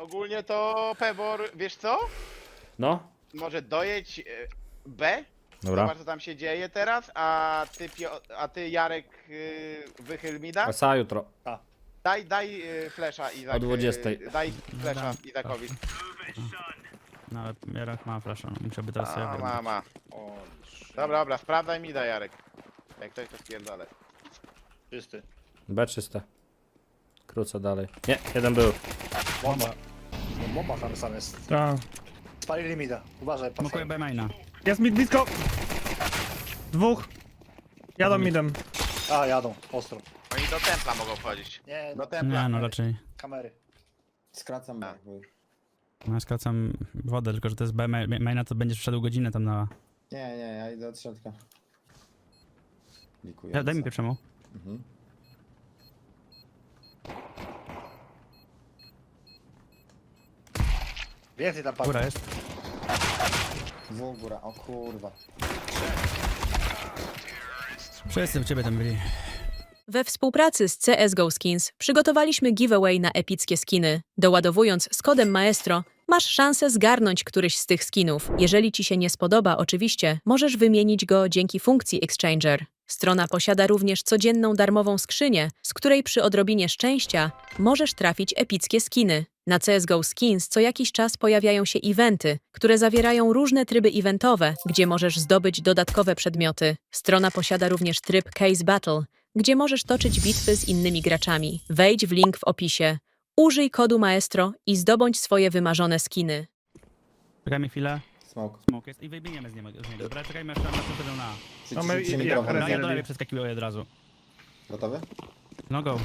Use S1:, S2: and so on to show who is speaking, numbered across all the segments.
S1: Ogólnie to Pebor, wiesz co?
S2: No,
S1: Może dojedź B?
S2: dobra.
S1: Zobacz co tam się dzieje teraz, a ty Jarek wychyl mi da?
S2: Asa jutro.
S1: Daj flesza Izak.
S2: O 20.
S1: Daj flesza Izakowi.
S3: No ale Jarek ma flasha, no, musiałby teraz sobie
S1: A,
S3: wybrać.
S1: ma. Dobra, sprawdzaj mi da Jarek. Jak ktoś to spierdolę.
S4: Czysty.
S2: B czyste. Krócę dalej. Nie, jeden był.
S4: Bomba. No, bomba tam sam jest.
S5: Tak.
S4: Spalili mi da. Uważaj,
S3: Smokuję
S4: patrzę.
S3: B maina.
S5: Jest mid blisko. Dwóch. Jadą midem.
S4: A, jadą. Ostro.
S1: Oni do templa mogą wchodzić.
S4: Nie,
S1: Do
S4: no,
S1: templa.
S3: Nie no raczej.
S4: kamery.
S6: Skracam
S1: Tak.
S6: bo...
S3: No ja skracam wodę, tylko że to jest B maina, to będziesz wszedł godzinę tam na...
S6: Nie, ja idę od środka. Likuję.
S3: Daj mi pierwszemu.
S6: Mhm.
S4: Więcej tam
S3: Góra
S4: padło.
S3: jest.
S6: Dwóch góra, o kurwa.
S3: Wszyscy u ciebie tam byli.
S7: We współpracy z CSGO Skins przygotowaliśmy giveaway na epickie skiny. Doładowując z kodem Maestro, masz szansę zgarnąć któryś z tych skinów. Jeżeli ci się nie spodoba, oczywiście, możesz wymienić go dzięki funkcji Exchanger. Strona posiada również codzienną darmową skrzynię, z której przy odrobinie szczęścia możesz trafić epickie skiny. Na CSGO Skins co jakiś czas pojawiają się eventy, które zawierają różne tryby eventowe, gdzie możesz zdobyć dodatkowe przedmioty. Strona posiada również tryb Case Battle, gdzie możesz toczyć bitwy z innymi graczami. Wejdź w link w opisie, użyj kodu Maestro i zdobądź swoje wymarzone skiny.
S3: Czekajmy chwilę.
S6: Smoke.
S3: Smoke jest i wybiegniemy z niego. Dobra, czekajmy jeszcze na to na.
S5: Mamy
S6: Przyciśnijcie
S5: i-
S6: mikrofon.
S3: No ja do
S5: Ready.
S3: lewej przeskakiwał od razu.
S6: Gotowy?
S3: No go.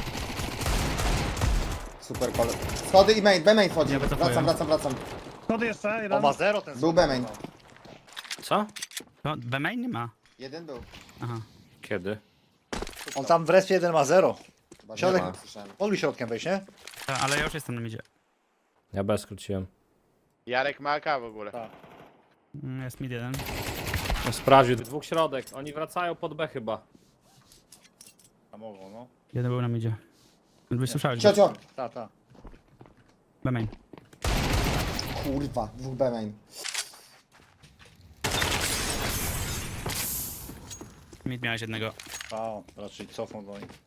S6: Super kol. Schody i main, B-main wchodzi.
S3: Ja wycofuję.
S6: Wracam.
S5: Schody jeszcze,
S4: On
S5: jeden.
S4: ma zero ten
S6: Był B-main.
S2: Co?
S3: To B main nie ma.
S6: Jeden był.
S3: Aha.
S2: Kiedy?
S4: On tam w respie jeden ma zero.
S6: Chyba nie
S4: Środek.
S6: ma, słyszałem.
S4: Mogli środkiem wejść, nie?
S3: Ale ja już jestem na midzie.
S2: Ja B skróciłem.
S1: Jarek ma AK w ogóle.
S4: Tak.
S3: Jest mid jeden.
S2: No, sprawdził. Dwóch środek. Oni wracają pod B chyba.
S4: A mogą, no.
S3: Jeden był na midzie. Wysłyszałeś go.
S6: Ciocio!
S4: Ta.
S3: B main.
S6: Kurwa, dwóch B-main.
S3: Mid miałeś jednego.
S4: A, raczej cofną do nich.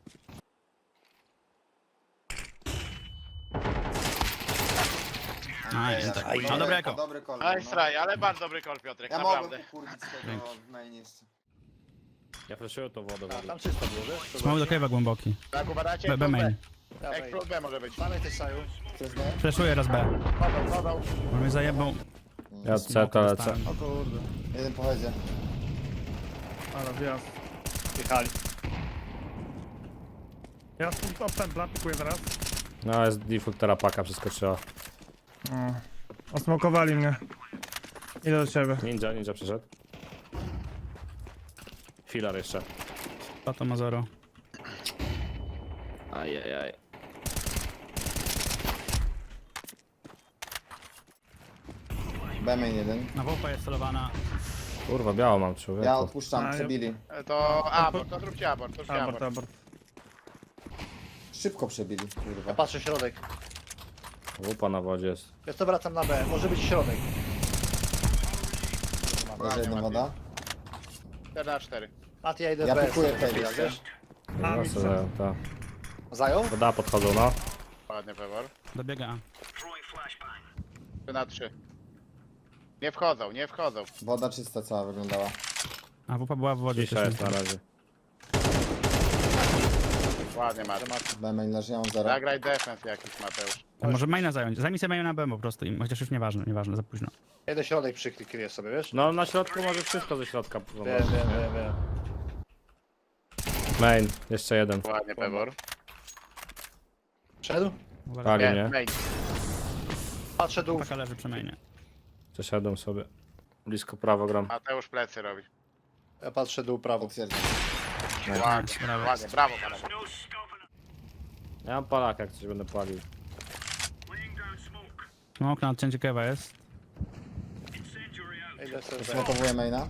S3: Aj, tak. No dobra jako.
S6: Dobry kol.
S1: Ale straj, ale bardzo dobry kol Piotrek,
S6: Ja
S1: naprawdę.
S6: mogłem kurwić z tego w main jeszcze.
S2: Ja flashuję tą wodę w
S4: A,
S2: ogóle.
S4: tam czysto było, wiesz?
S3: Smoke do cave'a głęboki.
S1: Tak uważacie?
S3: B main.
S1: Explode B może być.
S4: Mamy też saju.
S6: Przez B?
S3: Flashuję raz B.
S1: Podał.
S3: Bo mnie zajebał.
S2: Ja C to lecę.
S3: Dostałem.
S5: O kurde.
S6: Jeden pochodzie.
S5: Ale wjazd.
S4: Jechali.
S5: Ja od templa pikuję teraz.
S2: No jest default terapaka przeskoczyła.
S5: O. Osmokowali mnie. Idę do ciebie.
S2: Ninja przyszedł. Filar jeszcze.
S3: To ma zero.
S2: Ajajaj.
S6: B-main jeden.
S3: Na WP jest celowana.
S2: Kurwa, biało mam człowiek.
S6: Ja odpuszczam,
S5: A,
S6: przebili.
S1: To abort, to zróbcie abort, to zróbcie
S5: Abort,
S1: abort.
S5: abort.
S6: Szybko przebili, kurwa.
S4: Ja patrzę środek.
S2: Łupa na wodzie jest.
S4: Ja to wracam na B. Może być środek.
S6: Leży jedna woda.
S1: 4 na 4.
S4: Mati, ja idę
S6: Ja
S4: B.
S6: pikuję
S4: sobie,
S6: Kevin,
S4: wiesz?
S5: A,
S2: No,
S5: mi
S2: co
S5: co?
S2: za- ta.
S4: Zajął?
S2: Woda podchodzą, no.
S1: Ładnie Pebor.
S3: Dobiega A.
S1: 3 na 3. Nie wchodzą, nie wchodzą.
S6: Woda czysta cała wyglądała.
S3: A WP była w wodzie.
S2: Cisza
S3: też
S2: jest na razie.
S1: Ładnie Mateusz.
S6: B-main leży, ja mam zero.
S1: Zagraj defense jakiś Mateusz.
S3: Może maina zająć. Zajmij sobie maina na B po prostu. Chociaż już nieważne, za późno.
S4: Jeden środek przykryję sobie, wiesz?
S2: No na środku może wszystko ze środka.
S4: Wiem.
S2: Main, jeszcze jeden.
S1: Ładnie Pebor.
S4: Szedł?
S3: Uwaga.
S2: Pali
S1: Nie,
S2: mnie.
S1: main.
S4: Patrzę dół.
S3: Paka leży przy mainie.
S2: Przeszedłem sobie. Blisko prawo gram.
S1: Mateusz plecy robi.
S4: Ja patrzę dół prawo.
S6: Potwierdzam.
S1: Ładnie,
S3: brawo.
S1: ładnie, brawo panowie.
S2: Ja mam palaka, jak coś będę palił.
S3: Smoke na odcięcie kewa jest.
S4: Idę sobie B.
S6: Smokowuję maina.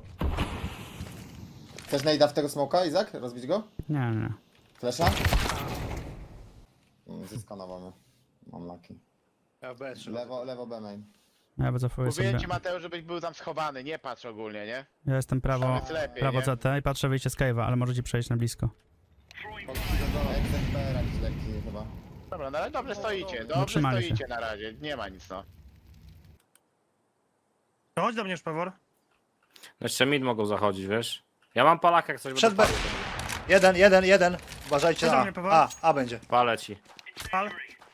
S6: Chcesz najda w tego smoka, Izak? Rozbić go?
S3: Nie.
S6: Flesza? Zeskanował mnie. Mam laki.
S4: Ja w B trzymam.
S6: Lewo B main.
S3: Ja wycofuję sobie.
S1: Mówiłem ci, Mateusz, żebyś był tam schowany, nie patrz ogólnie, nie?
S3: Ja jestem prawo,
S1: Tam jest lepiej,
S3: prawo
S1: nie?
S3: CT i patrzę wyjście z cave'a, ale możecie przejść na blisko.
S6: XFPR jakiś lekki chyba.
S1: Dobra, no ale dobrze stoicie,
S3: No,
S1: dobrze
S3: trzymali się.
S1: stoicie na razie, nie ma nic, no.
S5: To chodź do mnie, Szpewor.
S2: Jeszcze mid mogą zachodzić, wiesz? Ja mam palaka, jak coś
S4: Przed
S2: będę
S4: B.
S2: palił.
S4: Jeden. Uważajcie
S5: Co do
S4: na
S5: mnie, Paweł?
S4: A będzie.
S2: Palę ci.
S5: Pal.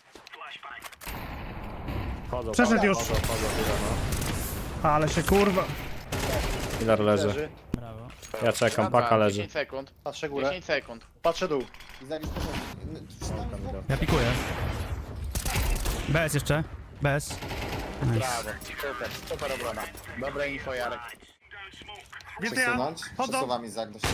S2: Chodzą,
S5: Przeszedł już.
S2: chodzą, no.
S5: Ale się kurwa.
S2: Filar leży.
S4: Leży.
S3: Brawo.
S2: Ja czekam,
S1: Dobra,
S2: paka leży.
S1: 10 sekund,
S4: Patrzę górę.
S1: 10 sekund.
S4: Patrzę dół.
S6: Izak już poszedł.
S3: Ja pikuję. BS jeszcze. BS. Nice.
S1: Brawo, super obrona. Dobre info, Jarek.
S5: Wiecie ja?
S6: Przesunąć.
S5: Chodzą.
S6: Przesuwam Izak do środka.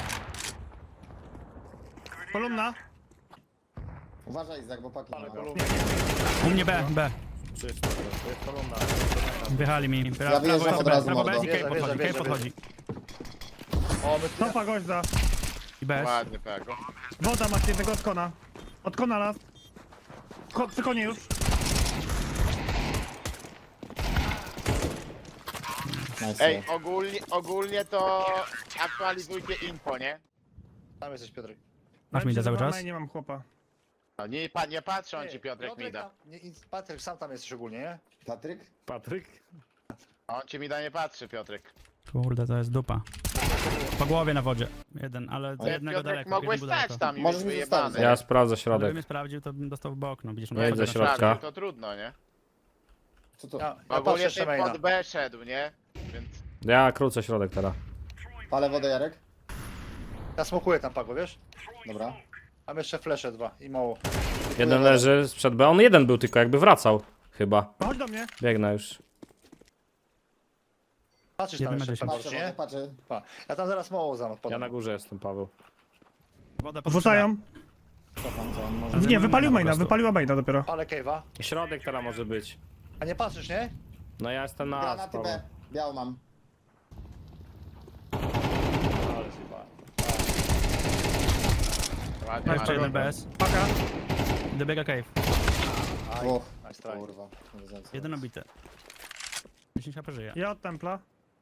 S5: Kolumna.
S6: Uważaj Izak, bo paki nie ma.
S3: U mnie B, B.
S2: Czysto, to jest kolumna.
S3: Wjechali mi.
S6: Ja wyjeżdżam od razu,
S3: Prawo B
S6: mordo.
S3: i cave podchodzi,
S4: Wierzę,
S3: cave podchodzi.
S4: O, my
S5: Topa goźda.
S3: I BS.
S1: Ładnie, Pago.
S5: Woda masz jednego od kona. Od kona las. Przy konie już.
S6: Nice.
S1: Ej, ogólnie to aktualizujcie info, nie?
S4: Tam jesteś, Piotrek.
S3: Masz mi cały czas?
S5: Nie mam chłopa.
S1: No, nie patrzę, on ci Piotrek mi da.
S4: Patryk, sam tam jesteś ogólnie, nie?
S6: Patryk?
S2: Patryk?
S1: On ci mi da nie patrzy, Piotrek.
S3: Kurde, to jest dupa. Po głowie na wodzie. Jeden, ale
S1: Ty,
S3: jednego
S1: Piotrek,
S3: daleko.
S1: mogłeś
S3: jeden był
S1: stać
S3: daleko.
S1: tam i
S6: Możesz
S1: być
S6: mi
S1: wyjebany.
S6: zostawić.
S2: Ja sprawdzę
S3: Gdybym
S2: środek.
S3: mnie sprawdził, to bym dostał w bok, no widzisz.
S2: Nie idź ze
S3: na
S2: środka.
S3: środek.
S1: To trudno, nie?
S6: Co to?
S4: Ja patrzę
S1: Ogólnie
S4: jeszcze
S1: ty
S4: maina.
S1: pod B szedł, nie? Więc
S2: Ja krócę środek teraz.
S6: Palę wodę Jarek?
S4: Ja smokuję tam Pago, wiesz?
S6: Dobra.
S4: Mam jeszcze flesze 2 i mało.
S2: Jeden leży sprzed B. On jeden był tylko, jakby wracał. Chyba.
S5: Chodź do mnie.
S2: Biegnę już.
S4: Patrzysz tam
S3: Jeden
S4: jeszcze,
S3: ma
S4: Pago,
S6: Patrzę,
S4: nie?
S6: wodę, patrzę.
S4: Pa. Ja tam zaraz mało
S2: Ja
S4: podam.
S2: na górze jestem, Paweł.
S3: Wodę pod
S5: Wrzucają.
S6: Cofam, co on może.
S5: Nie, wypalił
S3: po
S5: maina,
S3: prostu.
S5: wypaliła maina dopiero.
S4: Ale cave'a.
S2: Środek teraz może być.
S4: A nie patrzysz, nie?
S2: No ja jestem na A,
S6: Granaty
S2: Paweł.
S6: B. Białą mam.
S4: Ale zjebałem.
S1: ładnie,
S3: Jeszcze jeden
S1: ładnie.
S3: BS.
S5: Paka.
S3: Dobiega cave.
S6: Dwóch.
S4: Nice try.
S6: Kurwa. Nie wiedziałem, co
S3: Jeden
S6: robić.
S3: obity. 10 HP żyje.
S5: Ja od templa.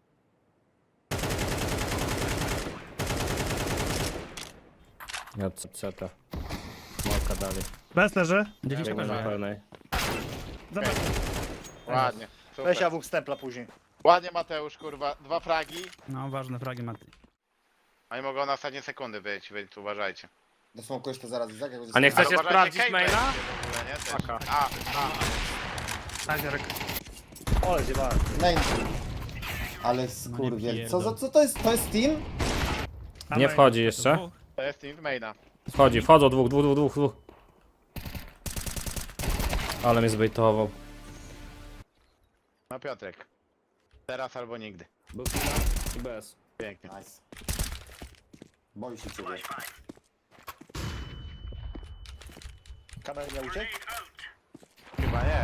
S2: Ja od CT. Małka dalej.
S5: Bez leży.
S3: 10 HP
S2: Biegnę na
S3: żyje.
S2: pełnej.
S5: Zobacz.
S1: Ładnie.
S4: Weź
S1: Super.
S4: AWK stempla później.
S1: Ładnie, Mateusz, kurwa. 2 fragi,
S3: No, ważne fragi Mati.
S1: a nie mogą na ostatnie sekundy być, więc uważajcie.
S6: Dosmokujesz to zaraz Izak? Jak
S2: A nie
S6: będziesz-
S2: chcecie
S1: uważajcie,
S2: sprawdzić
S1: Kate
S2: maila?
S1: będzie w ogóle, nie? Też.
S2: Paka.
S5: Tak, Jarek.
S4: Ale zjebałem.
S6: Main. Ale
S3: No
S6: skurwiel.
S3: nie
S6: Co to jest? To jest team?
S2: Nie wchodzi jeszcze.
S3: Dwóch.
S1: To jest team maina.
S2: Wchodzą dwóch. Ale mnie zbejtował.
S1: No Piotrek. Teraz albo nigdy.
S2: Był i bez.
S1: Pięknie.
S6: Nice. Boi się ciebie.
S4: Kamery nie uciekł?
S1: Chyba nie.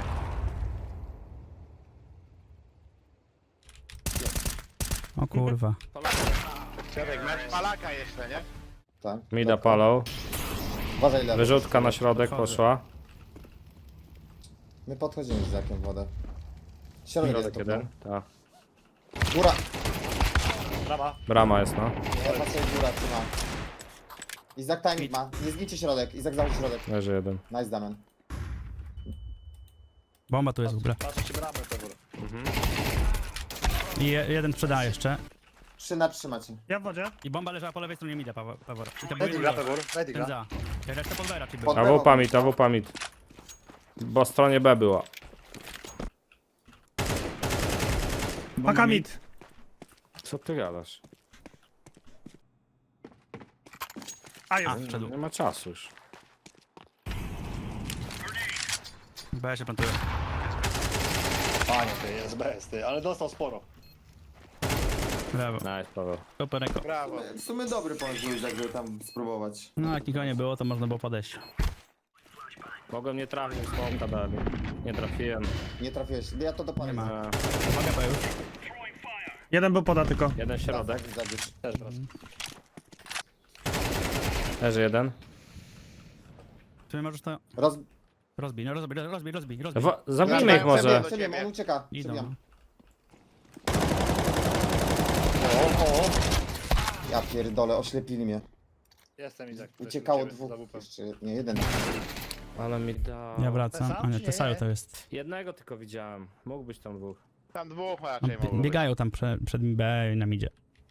S3: O kurwa.
S1: Piotrek, masz palaka jeszcze, nie?
S6: Tak.
S2: Mida palą.
S6: Uważaj lewo.
S2: Wyrzutka na środek
S3: Podchodzę.
S2: poszła.
S6: My podchodzimy z Izakiem w wodę. Środek jest
S2: Środek jeden. Tak.
S6: Góra.
S4: Brama.
S2: Brama jest, no.
S6: Ja patrzę góra, trzyma. Izak timing ma. Nie zgnijcie środek. Izak załóż środek.
S2: Leży jeden.
S6: Nice Damian.
S3: Bomba tu jest w ogóle.
S4: Patrzcie bramę to góry.
S3: I jeden sprzeda jeszcze.
S6: 3 na 3 macie.
S5: Ja w wodzie.
S3: I bomba leżała po lewej stronie mida, Pawor. I to był
S4: Daj
S3: jeden
S4: diga,
S3: gość.
S4: Pegor. Daj
S3: Ten
S4: diga.
S3: za. Ja resztę pod B raczej był.
S6: Pod-
S2: AWP mid. Bo stronie B była.
S3: Bomba
S5: Paka
S3: mid.
S5: mid.
S2: Co ty gadasz?
S5: A jest.
S3: Wszedł.
S2: Nie ma czasu już.
S3: B się plantuje.
S4: Panie, ty jest bez, ty. Ale dostał sporo.
S3: Brawo.
S2: Nice, Paweł.
S3: Super eko.
S1: Brawo.
S6: W sumie dobry pomysł Izak, żeby tam spróbować.
S3: No jak nikogo nie było, to można było podejść.
S2: Mogłem nie trafić, smoka dali. Nie trafiłem.
S6: Nie trafiłeś. Ja to dopadnę.
S3: Nie ma.
S2: E,
S3: Uwaga, P już.
S5: Jeden był poda tylko.
S2: jeden środek.
S6: Izak już.
S4: Też wraca.
S2: Leży jeden.
S3: Czy możesz to... Rozbij, no rozbij.
S2: Zabijmy ich może.
S6: Przebiłem, on ucieka.
S3: Idą.
S6: Przebiłem. Ja pierdolę, oślepili mnie.
S4: Jestem Izak.
S6: Uciekało dwóch. Jeszcze, nie, jeden.
S2: Ale mi da...
S3: Ja wracam.
S4: Sam
S3: A nie,
S4: czy
S3: to
S4: nie?
S3: Sajo to jest.
S2: Jednego tylko widziałem. Mógł być tam dwóch.
S1: Tam dwóch raczej mogło być.
S3: Biegają tam przed B i na midzie.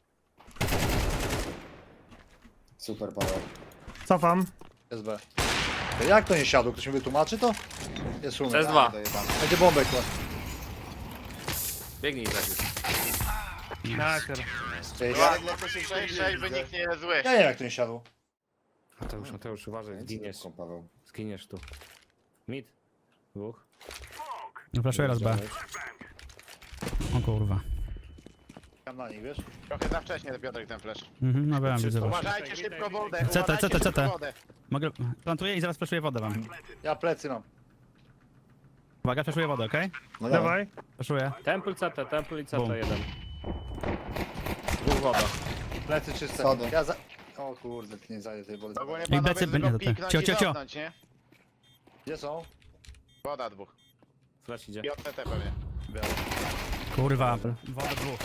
S6: Super, Paweł.
S5: Cofam.
S4: SB. Jak to nie siadło? Ktoś mi wytłumaczy to? Jest szum.
S2: To jest dwa.
S6: Dojebane.
S4: Będzie bombek to.
S2: Biegnij za nim.
S5: Naker.
S6: Jarek lecę się
S1: 6-6, by nikt nie jest zły.
S4: Ja nie wiem jak to nie siadło.
S2: Mateusz, uważaj, zginiesz.
S6: Paweł.
S2: Zginiesz tu. Mid. Dwóch.
S3: No flaszuję raz B. O kurwa.
S4: Tam na nich, wiesz?
S1: Trochę za wcześnie Piotrek ten flash.
S3: No wiem, widzę was.
S1: Uważajcie szybko wodę,
S3: CT.
S1: uważajcie szybko wodę.
S3: Mogę... Plantuję i zaraz flaszuję wodę wam.
S4: Ja plecy mam.
S3: Uwaga, flaszuję wodę, okej?
S6: No
S5: Dawaj.
S3: Flaszuję.
S2: Temple CT, Temple i CT
S3: Bum.
S2: jeden. Dwóch woda.
S4: Plecy czyste.
S6: Schody.
S4: Ja za... O kurde, nie zajdę tej wody.
S1: Ogólnie
S3: I
S1: panowie
S3: plecy
S1: tylko
S3: będzie
S1: piknąć
S3: cio,
S1: i
S3: cio, cio.
S1: cofnąć, nie?
S4: Gdzie są?
S1: Woda dwóch.
S2: Flash idzie.
S1: I od CT pewnie.
S3: Kurwa. Woda dwóch.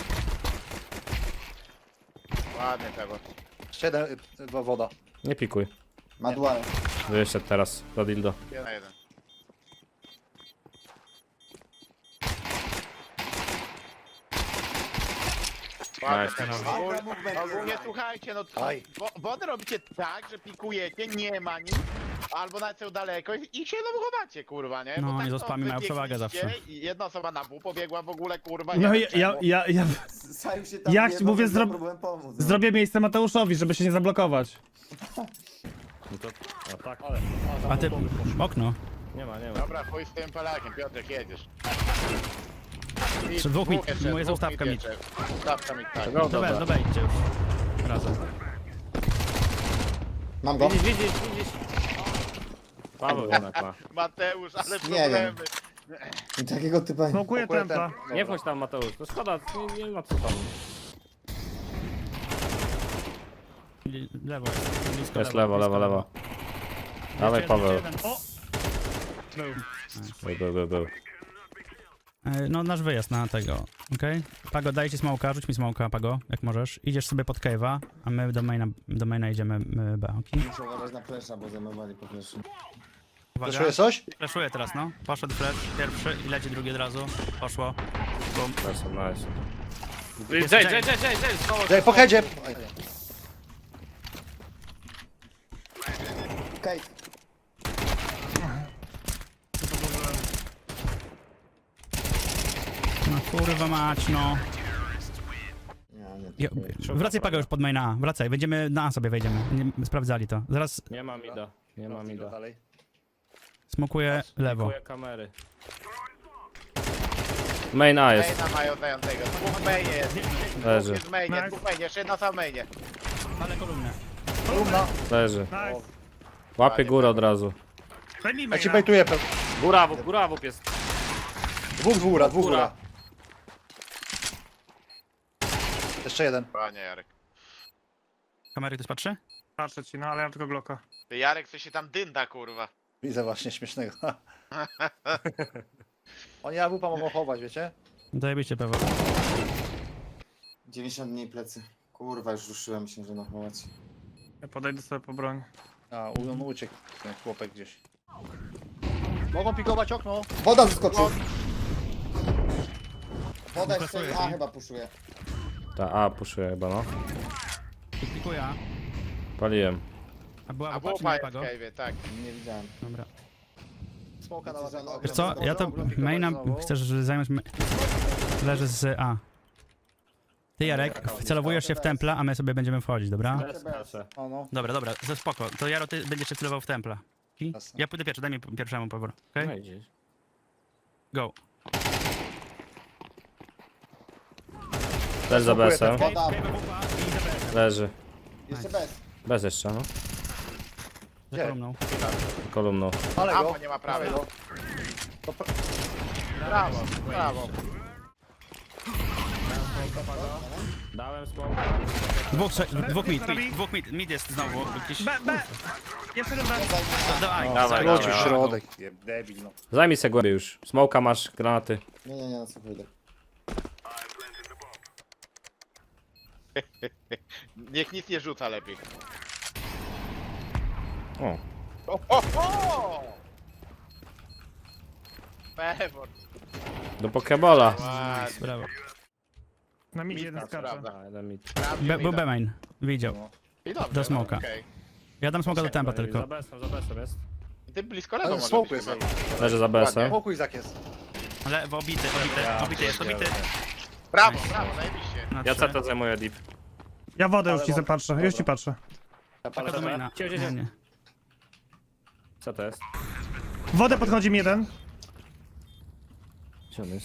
S1: Ładnie tego.
S4: Jeszcze jeden, woda.
S2: Nie pikuj.
S6: Ma duale.
S2: Wyszedł teraz do dildo.
S1: 1-1.
S2: Nice.
S1: Ogólnie słuchajcie, no
S4: Aj.
S1: wodę robicie tak, że pikujecie, nie ma nic, albo nawet są daleko i się chowacie, kurwa, nie?
S3: No,
S1: Bo
S3: oni
S1: tak
S3: z
S1: to
S3: ospami mają przewagę
S1: wybiegliście
S3: zawsze.
S1: I jedna osoba na W pobiegła w ogóle, kurwa, nie
S5: No
S1: wiem
S5: ja
S1: czemu.
S6: Saju się tam
S5: Ja
S6: wjebał,
S5: mówię,
S6: więc
S5: zro-
S6: próbowałem pomóc. no.
S5: zrobię miejsce Mateuszowi, żeby się nie zablokować.
S2: No to... A tak.
S4: Ale,
S3: A ty... Okno.
S2: Nie ma.
S1: Dobra, chuj z tym Polakiem, Piotrek, jedziesz. I
S3: Jeszcze dwóch mit,
S1: jeszcze,
S3: moja
S1: dwóch
S3: ustawka mit.
S1: jeszcze. Ustawka mit, tak.
S2: Go,
S3: Dobra, idźcie już. Razem.
S6: Mam go.
S2: Widzisz. Paweł jednak ma.
S1: Mateusz, ale
S6: Nie
S1: problemy.
S6: I takiego typa...
S5: Smokuję templa.
S2: Nie wchodź tam, Mateusz. To szkoda, nie ma co tam.
S3: Lewo. Blisko
S2: To jest lewo. Dawaj, Paweł.
S3: O!
S2: Był.
S3: No nasz wyjazd na tego, okej? Pago, daj ci smoka, rzuć mi smoka, Pago, jak możesz. Idziesz sobie pod cave'a, a my do maina idziemy B, okej?
S6: Muszę uważać na flesza, bo zajmowali po fleszu.
S3: Uwaga,
S4: Zeszłuje coś?
S3: flashuję teraz, no. Poszedł flash, pierwszy i leci drugi od razu. Poszło. Bum.
S2: Nice.
S3: Jest
S2: Jay,
S4: Ej, po headzie!
S6: Okej.
S3: No kurwa mać, no.
S6: Nie,
S3: Wracaj Pago już pod maina A, wracaj, będziemy na A sobie wejdziemy. Sprawdzali to. Zaraz
S2: Nie ma mida.
S4: Dalej.
S3: smokuję lewo.
S2: Kupuję kamery. Main A jest.
S1: Maina mają zającego. Dwóch mainie jest.
S2: Leży.
S1: Dwóch jest mainie,
S5: Nice.
S1: dwóch mainie, jeszcze jedna sama mainie.
S3: Ale kolumnę.
S4: Trumna.
S2: Leży.
S5: Nice.
S2: Łapie górę od razu.
S5: Zajmijmy
S4: Ja ci
S5: ja.
S4: bejtuję.
S2: Góra w jest.
S4: Dwóch góra. Jeszcze jeden.
S1: Panie Jarek.
S3: Kamery ktoś patrzy?
S5: Patrzę ci, no ale ja mam tylko Glocka.
S1: Ty Jarek, co się tam dynda, kurwa.
S4: Widzę właśnie śmiesznego. Oni AWP mogą chować, wiecie?
S3: Zajebiście Paweł.
S6: 90 dni plecy. Kurwa, już ruszyłem się, że nachować.
S5: Ja podejdę sobie po broń.
S4: A, on uciekł. Ten chłopek gdzieś. Mogą pikować okno.
S6: Woda zeskoczył! Woda jeszcze... A, chyba puszuje.
S2: Ta A puszuje chyba, no.
S3: Pikuję A.
S2: Paliłem.
S3: A była
S1: A
S3: wupa czy
S1: bupa
S3: nie
S1: jest w
S3: Pago?
S1: cave'ie, tak.
S6: Nie widziałem.
S3: Dobra.
S4: Smoka na
S6: Wiecie, że on
S3: Wiesz co, ja to maina chcesz zająć... Leży z A. Ty Jarek, wcelowujesz się w templa, a my sobie będziemy wchodzić, dobra?
S4: O no.
S3: Dobra, to spoko. To Jaro, ty będziesz się celował w templa. Okay?
S4: Jasne.
S3: Ja pójdę pierwszy, daj mi pierwszemu powrót, okej?
S2: No idziesz.
S3: Go.
S2: Leży za BS-em.
S6: Woda!
S2: Leży.
S6: Jeszcze bez.
S2: Bez jeszcze, no.
S3: Za
S4: Gdzie?
S3: kolumną.
S2: Kolumną.
S4: Ale
S1: Ammo
S4: go.
S1: nie ma prawa.
S4: go.
S1: Brawo.
S2: smoka, Pago. Dałem smoka.
S3: Dwóch mid jest znowu. Jakiś...
S5: B. Jeszcze jeden B.
S3: Dawaj,
S2: Dawaj,
S4: Wrócił
S2: dawaj.
S4: środek. Debil, no.
S2: Zajmij se głębiej już. Smoka masz, granaty.
S6: Nie, na co wyjdę.
S1: Niech nic nie rzuca lepiej.
S2: O.
S1: O! Pewor.
S2: Do pokebola.
S1: Ładnie.
S3: Brawo.
S5: Na midzie jeden skacze.
S1: Prawda.
S2: A, jeden mid.
S3: Był B-main. Widział.
S1: I dobrze,
S3: do smoka.
S1: okej.
S3: Ja dam smoka do tempa
S2: Za
S3: tylko.
S2: besem jest.
S1: I ty blisko lewo
S4: Ale
S1: może
S4: smoku
S1: być
S4: jest.
S1: chyba.
S2: Leży za besem.
S4: Smoku Izak jest.
S3: Lewo, obity jest, obity.
S1: Brawo, zajebiście.
S3: Na
S2: Ja
S3: 3.
S2: CT zajmuję deep.
S5: Ja wodę już
S4: Ale
S5: ci
S4: wodę.
S5: zapatrzę, już ci patrzę.
S4: Ja
S3: Taka
S4: palę
S3: do maina.
S2: Cio.
S3: Nie.
S2: Co to jest?
S5: Wodę podchodzi mi jeden.
S2: Gdzie on jest?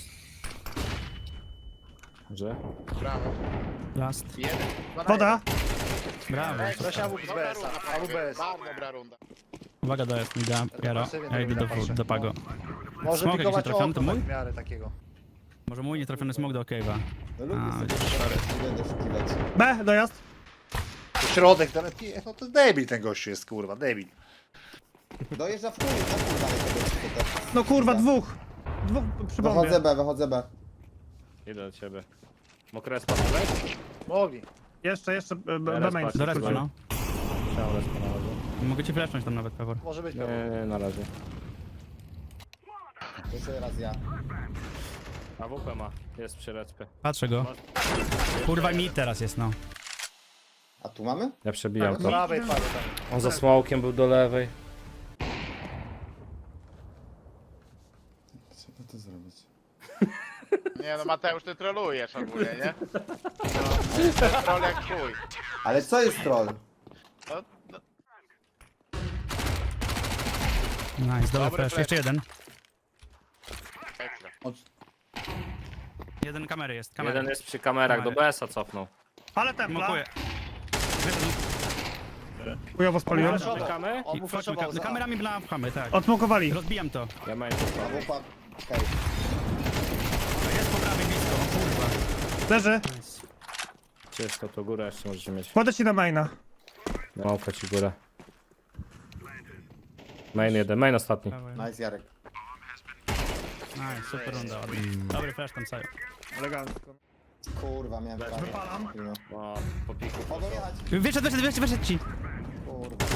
S2: Że?
S1: Brawo.
S3: Last.
S1: Jeden.
S5: Woda.
S3: Brawo.
S4: Weź AW z
S1: Dobra
S4: BS-a.
S1: runda,
S4: AW BS.
S1: bardzo dobra runda.
S3: Uwaga, jest mi da Jaro. Ja idę do Pago.
S4: Może
S3: Smok jakiś
S4: pikować
S3: trafiony, to
S4: okno
S3: mój?
S4: w miarę takiego.
S3: Może mój nietrafiony smok do Cave'a.
S6: No lubię
S3: A,
S6: sobie
S3: widzisz, sorry.
S6: nie będę szukiwać.
S5: B, dojazd.
S4: To środek, no to debil ten gościu jest, kurwa, debil.
S6: Dojeżdża w chuj, na chuj dalej tego.
S5: No kurwa, dwóch przy bombie.
S6: Wychodzę B.
S2: Idę do ciebie. Mokre spadłeś?
S4: Mogli.
S5: Jeszcze B
S2: Teraz
S5: main.
S2: patrzę.
S3: Do respa, no.
S2: Chciałem respa na razie.
S3: Mogę ci flashnąć tam nawet, Pewor.
S4: Może być
S2: Nie,
S4: pewnie.
S2: nie, na razie.
S6: Jeszcze raz ja.
S2: A WP ma. Jest przy respie.
S3: Patrzę go. Kurwa, mi teraz jest, no.
S6: A tu mamy?
S2: Ja przebijam
S4: Do
S2: to.
S4: prawej padł tam.
S2: On za smokiem był do lewej.
S6: Trzeba to zrobić.
S1: Nie no Mateusz, ty trolujesz ogólnie, nie? No, troll jak chuj.
S6: Ale co jest troll?
S1: No, no,
S3: Nice, dobry
S1: Dobry
S3: flash.
S1: flash.
S3: Jeszcze jeden.
S1: ekstra.
S3: Jeden kamery jest, kamery.
S2: Jeden jest przy kamerach, do BS-a cofnął.
S5: Ale templa.
S3: Smokuję.
S5: Chujowo spaliłem.
S2: Czekamy?
S4: On mu flashował za.
S3: Kamerami pchamy, tak.
S5: Odmokowali.
S3: Rozbijam to.
S2: Ja main
S6: A wupa. Okej.
S3: Jest po prawej blisko, o kurwa.
S5: Leży.
S2: Czysto, to górę jeszcze możecie mieć.
S5: Kładę ci na maina.
S2: Małka ci górę. Main jeden, main ostatni.
S6: Nice Jarek.
S3: Nice, super runda. ładnie. Dobry flash tam, Sajo.
S5: Elegancko.
S6: Kurwa, miałem prawie.
S5: Wypalam.
S2: O, po piku.
S6: Mogą jechać.
S3: Wyszedł ci.
S6: Kurwa.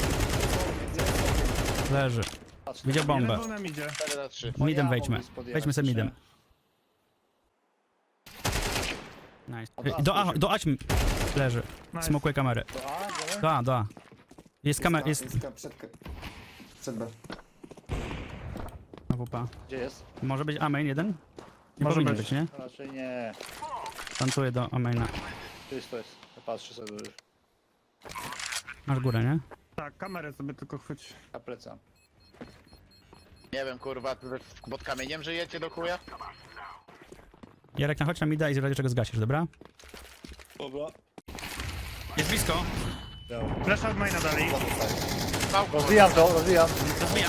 S3: Leży. Widział bombę.
S5: Jeden był na midzie.
S1: 4-3.
S3: Midem
S4: ja
S3: wejdźmy.
S4: mogli spodjechać
S3: Wejdźmy sobie
S4: jeszcze.
S3: midem. Nice. Do Aćm leży.
S5: Nice.
S3: Smokuje kamerę. Do A. Jest kamera, jest...
S6: Przed B.
S3: Na WP.
S4: Gdzie jest?
S3: Może być A main jeden? Nie
S5: Może
S3: powinien
S5: być.
S3: być, nie?
S4: Raczej nie.
S3: Tantuję do A maina.
S4: Czysto jest. Ja patrzę sobie już.
S3: Masz górę, nie?
S5: Tak, kamerę sobie tylko chwyć.
S4: Ja plecam.
S1: Nie wiem kurwa, ty pod kamieniem żyjecie do chuja?
S3: Jarek, nachodź na mida i z razie czego zgasisz, dobra?
S4: Dobra.
S3: Jest blisko.
S5: Flesza od maina dali.
S4: Rozwijam to, rozwijam.
S3: Rozbijam.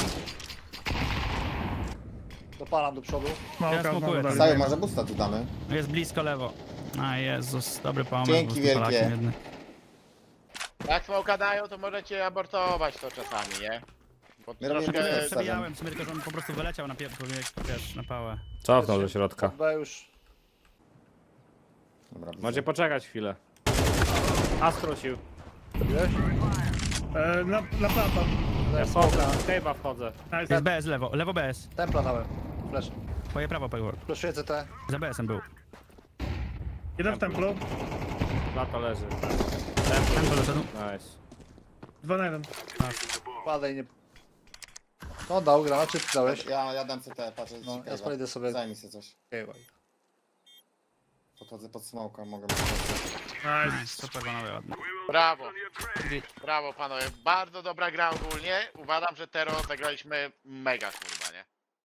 S4: Dopalam do przodu.
S5: Małka
S3: smokuję.
S5: znowu dali.
S6: Sajo, może busta tu damy?
S3: Jest blisko lewo. A Jezus, dobry pomysł.
S6: Dzięki
S3: z tym
S6: wielkie.
S3: Polakiem jednym.
S1: Jak smoka dają, to możecie abortować to czasami, nie? Bo
S6: My robimy
S1: troszkę...
S6: test.
S3: Przebijałem, w sumie tylko, że on po prostu wyleciał na wiesz, na pałę.
S2: Cofnął do środka.
S4: B już.
S6: Dobra,
S2: Macie poczekać chwilę. A skrócił.
S4: Widziałeś?
S5: Na plata.
S2: Ja wchodzę, w cave'a wchodzę.
S3: Jest
S5: Nice.
S3: BS lewo, lewo BS.
S4: Templa dałem. Flash.
S3: Twoje prawo, Pegor.
S4: Flashuję CT.
S3: Za BS-em był.
S5: Jeden w templu.
S2: Lata leży.
S3: Ten doszedł.
S2: Nice.
S5: 2 na 1.
S4: Padaj, nie... No dał granat, czy ty dałeś?
S6: Ja dam CT, patrzę.
S4: No, ja spojdę sobie.
S6: Zajmij się coś.
S4: Okej,
S6: Podchodzę pod smoka, mogę...
S5: Nice.
S3: Super, panowie, ładnie.
S1: Brawo. Brawo panowie, bardzo dobra gra ogólnie. Uważam, że Tero zagraliśmy mega kurwa.